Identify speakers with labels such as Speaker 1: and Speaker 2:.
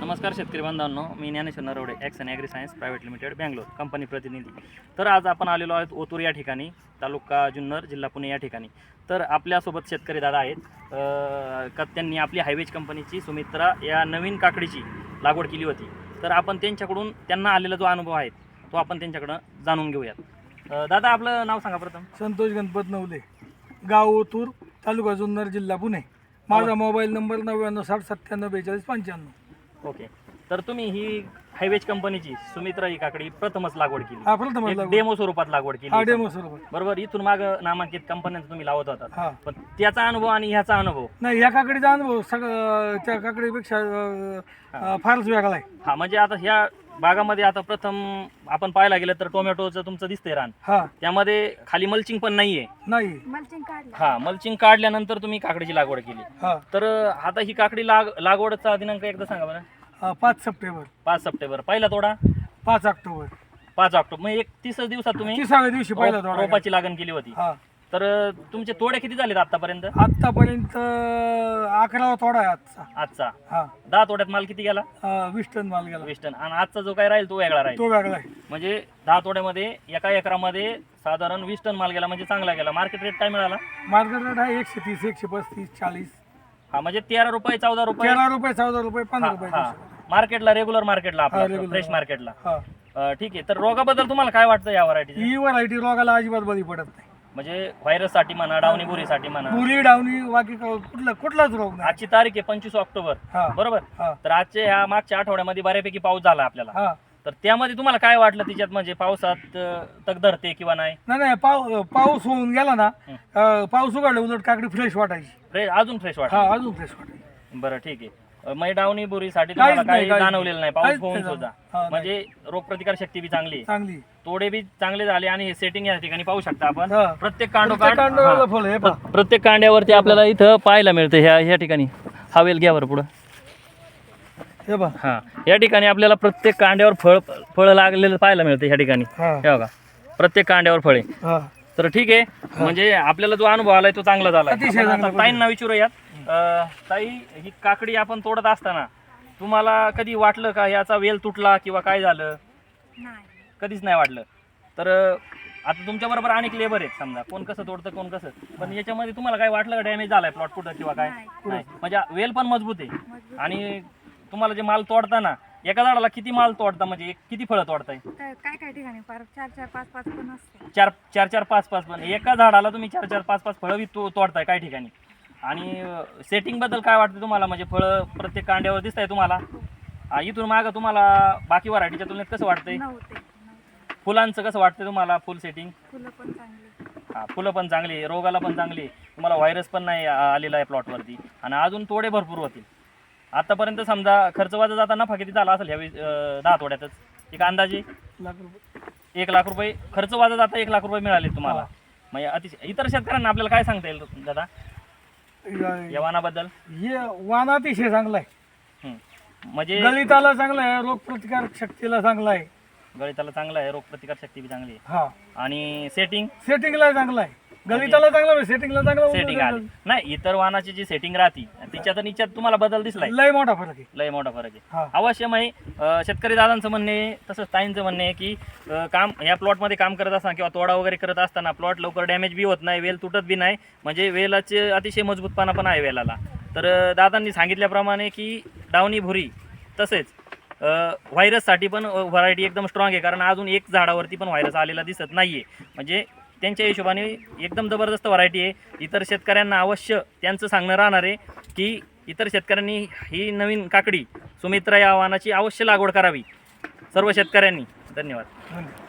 Speaker 1: नमस्कार शेतकरी बांधवांनो, मी Dnyaneshwar Narawade action agri science private limited Bangalore company प्रतिनिधी. तर आज आपण आलेलो आहोत ओतूर या ठिकाणी, तालुका जुन्नर, जिल्हा पुणे या ठिकाणी. तर आपल्यासोबत शेतकरी दादा आहेत का त्यांनी आपली हायवेज कंपनीची सुमित्रा या नवीन काकडीची लागवड केली होती. तर आपण त्यांच्याकडून त्यांना आलेला जो अनुभव आहे तो आपण त्यांच्याकडं जाणून घेऊयात. दादा, आपलं नाव सांगा प्रथम.
Speaker 2: संतोष गणपत नवले, गाव ओतूर, तालुका जुन्नर, जिल्हा पुणे. माझा मोबाईल नंबर 9960974245.
Speaker 1: ओके. तर तुम्ही ही हायवेज कंपनीची सुमित्रा ही काकडी प्रथमच लागवड केली.
Speaker 2: हा, प्रथमच लागवड.
Speaker 1: डेमो स्वरूपात लागवड
Speaker 2: हा,
Speaker 1: केली.
Speaker 2: डेमो स्वरूपात.
Speaker 1: बरोबर. इथून माग नामांकित कंपन्यांचा तुम्ही लावत होता,
Speaker 2: हा.
Speaker 1: पण त्याचा अनुभव आणि ह्याचा अनुभव
Speaker 2: नाही, या काकडीचा अनुभव त्या काकडीपेक्षा फारच वेगळा आहे.
Speaker 1: हा, म्हणजे आता ह्या बागामध्ये आता प्रथम आपण पाहायला गेलं तर टोमॅटोचं तुमचं दिसतंय रान,
Speaker 2: हा,
Speaker 1: त्यामध्ये खाली मल्चिंग पण नाहीये.
Speaker 2: नाही.
Speaker 1: हा, मल्चिंग काढल्यानंतर तुम्ही काकडीची लागवड केली.
Speaker 2: हा,
Speaker 1: तर आता ही काकडी लागवडचा दिनांक एकदा सांगा बरं.
Speaker 2: 5 सप्टेंबर,
Speaker 1: 5 सप्टेंबर. पहिला तोडा
Speaker 2: 5 ऑक्टोबर,
Speaker 1: 5 ऑक्टोबर. म्हणजे 31 दिवसात तुम्ही
Speaker 2: 30व्या दिवशी पहिला तोडा.
Speaker 1: रोपाची लागण केली होती.
Speaker 2: हा,
Speaker 1: तर तुमचे तोडे किती झालेत आतापर्यंत?
Speaker 2: आतापर्यंत 11वा तोडा आहे आजचा.
Speaker 1: आजचा
Speaker 2: हा,
Speaker 1: 10 तोड्यात माल किती गेला?
Speaker 2: 20 टन माल गेला.
Speaker 1: 20 टन. आणि आजचा जो काय राहील तो वेगळा राहील.
Speaker 2: तो वेगळा आहे.
Speaker 1: म्हणजे 10 तोड्यामध्ये एका एकरामध्ये साधारण 20 टन माल गेला, म्हणजे चांगला गेला. मार्केट रेट काय मिळाला?
Speaker 2: मार्केट रेट आहे 130, 135, 40.
Speaker 1: हा, म्हणजे 13 रुपये, 14 रुपये.
Speaker 2: 13 रुपये, 14 रुपये, 15 रुपये.
Speaker 1: हा, मार्केटला, रेग्युलर मार्केटला, आपल्या
Speaker 2: regular.
Speaker 1: फ्रेश मार्केटला.
Speaker 2: हा,
Speaker 1: ठीक आहे. तर रोगाबद्दल तुम्हाला काय वाटतं या व्हरायटीचे?
Speaker 2: ही व्हरायटी रोगाला अजिबात बळी पडत नाही.
Speaker 1: म्हणजे व्हायरससाठी म्हणा, डावणी बुरीसाठी म्हणा.
Speaker 2: बुरी डावणी बाकी कुठलाच रोग नाही.
Speaker 1: आजची तारीख आहे 25 ऑक्टोबर,
Speaker 2: हा,
Speaker 1: बरोबर.
Speaker 2: हा,
Speaker 1: तर आजच्या ह्या मागच्या आठवड्यामध्ये बऱ्यापैकी पाऊस झाला आपल्याला.
Speaker 2: हा.
Speaker 1: तर त्यामध्ये तुम्हाला काय वाटलं तिच्यात, म्हणजे पावसात तग धरते किंवा नाही?
Speaker 2: नाही, पाऊस होऊन गेला ना, पाऊस उघडला उलट काकडी फ्रेश वाटायची.
Speaker 1: अजून फ्रेश वाटत.
Speaker 2: हा, अजून फ्रेश वाटायची.
Speaker 1: बरं, ठीक आहे. मग डावणी बुरीसाठी तुम्हाला
Speaker 2: काहीच
Speaker 1: काही
Speaker 2: नाही,
Speaker 1: जाणवलेलं नाही, पाऊस
Speaker 2: काहीच
Speaker 1: होऊन
Speaker 2: नाही
Speaker 1: सुद्धा.
Speaker 2: हा, नाही.
Speaker 1: म्हणजे रोगप्रतिकार शक्ती बी चांगली आहे,
Speaker 2: चांगली.
Speaker 1: तोडे बी चांगले झाले, आणि हे सेटिंग या ठिकाणी पाहू शकता आपण.
Speaker 2: हा.
Speaker 1: प्रत्येक
Speaker 2: कांड्याला
Speaker 1: कांडोकांड
Speaker 2: फळ आहे, पहा.
Speaker 1: प्रत्येक कांड्यावरती आपल्याला इथं पाहायला मिळतं. ह्या ठिकाणी हवेल घ्यावर पुढं.
Speaker 2: हे पहा.
Speaker 1: हा, या ठिकाणी आपल्याला प्रत्येक कांड्यावर फळ लागलेलं पाहायला मिळतं. ह्या ठिकाणी
Speaker 2: हा.
Speaker 1: हे बघा, प्रत्येक कांड्यावर फळे.
Speaker 2: हा.
Speaker 1: तर ठीक आहे, म्हणजे आपल्याला जो अनुभव आलाय तो चांगला झाला.
Speaker 2: अतिशय चांगला.
Speaker 1: ताईंना विचारूयात. ताई, ही काकडी आपण तोडत असताना तुम्हाला कधी वाटलं का याचा वेल तुटला किंवा काय झालं? कधीच नाही वाटलं. तर आता तुमच्या बरोबर अनेक लेबर आहेत, समजा कोण कसं तोडतं, कोण कसं, पण याच्यामध्ये तुम्हाला काय वाटलं का डॅमेज झालाय प्लॉट कुठं किंवा काय? नाही. म्हणजे वेल पण मजबूत आहे. आणि तुम्हाला जे माल तोडताना एका झाडाला किती माल तोडता, म्हणजे किती फळं तोडताय?
Speaker 3: काय ठिकाणी 4-4-5-5 पण असते.
Speaker 1: 4-4-5-5 पण एका झाडाला तुम्ही 4-4-5-5 फळं तोडताय काही ठिकाणी. आणि सेटिंग बद्दल काय वाटतं तुम्हाला? म्हणजे फळं प्रत्येक कांड्यावर दिसत आहे तुम्हाला. इथून मागं तुम्हाला बाकी व्हरायटीच्या तुलनेत कसं वाटतंय? फुलांचं कसं वाटतंय तुम्हाला? Full setting?
Speaker 3: फुलं पण चांगली.
Speaker 1: हा, फुलं पण चांगली, रोगाला पण चांगली, तुम्हाला व्हायरस पण नाही आलेला आहे प्लॉटवरती, आणि अजून तोडे भरपूर होतील. आतापर्यंत समजा खर्च वाजा जाता नफा किती झाला असेल ह्यावेळी 10 तोड्यातच? एक अंदाजे 1 लाख रुपये खर्च वाजा जाता 1 लाख रुपये मिळाले तुम्हाला. म्हणजे अतिशय. इतर शेतकऱ्यांना आपल्याला काय सांगता येईल दादा या वाणाबद्दल?
Speaker 2: हे वाण अतिशय चांगला आहे.
Speaker 1: म्हणजे
Speaker 2: गळिताला चांगला आहे, रोगप्रतिकार शक्तीला चांगला आहे.
Speaker 1: गळिताला चांगला आहे, रोगप्रतिकार शक्ती बी चांगली आहे.
Speaker 2: हा,
Speaker 1: आणि सेटिंगला
Speaker 2: सेटिंगला चांगला आहे. गळिताला चांगला आहे, सेटिंगला चांगला.
Speaker 1: सेटिंग आली नाही. इतर वाहनाची जी सेटिंग राहते तिच्यात आणि याच्यात तुम्हाला बदल दिसलाय?
Speaker 2: लय मोठा फरक आहे.
Speaker 1: लय मोठा फरक आहे.
Speaker 2: हा.
Speaker 1: अवश्य आहे. शेतकरी दादांचं म्हणणे, तसंच ताईंचं म्हणणे आहे की काम या प्लॉटमध्ये काम करत असताना किंवा तोडा वगैरे करत असताना प्लॉट लवकर डॅमेज बी होत नाही, वेल तुटत बी नाही, म्हणजे वेलाचे अतिशय मजबूतपणा पण आहे वेलाला. तर दादांनी सांगितल्याप्रमाणे की डावणी भुरी तसेच व्हायरससाठी पण व्हरायटी एकदम स्ट्रॉंग आहे, कारण अजून एक झाडावरती पण व्हायरस आलेला दिसत नाही आहे. म्हणजे त्यांच्या हिशोबाने एकदम जबरदस्त व्हरायटी आहे. इतर शेतकऱ्यांना अवश्य त्यांचं सांगणं राहणार आहे की इतर शेतकऱ्यांनी ही नवीन काकडी सुमित्रा या वाहनाची अवश्य लागवड करावी, सर्व शेतकऱ्यांनी. धन्यवाद.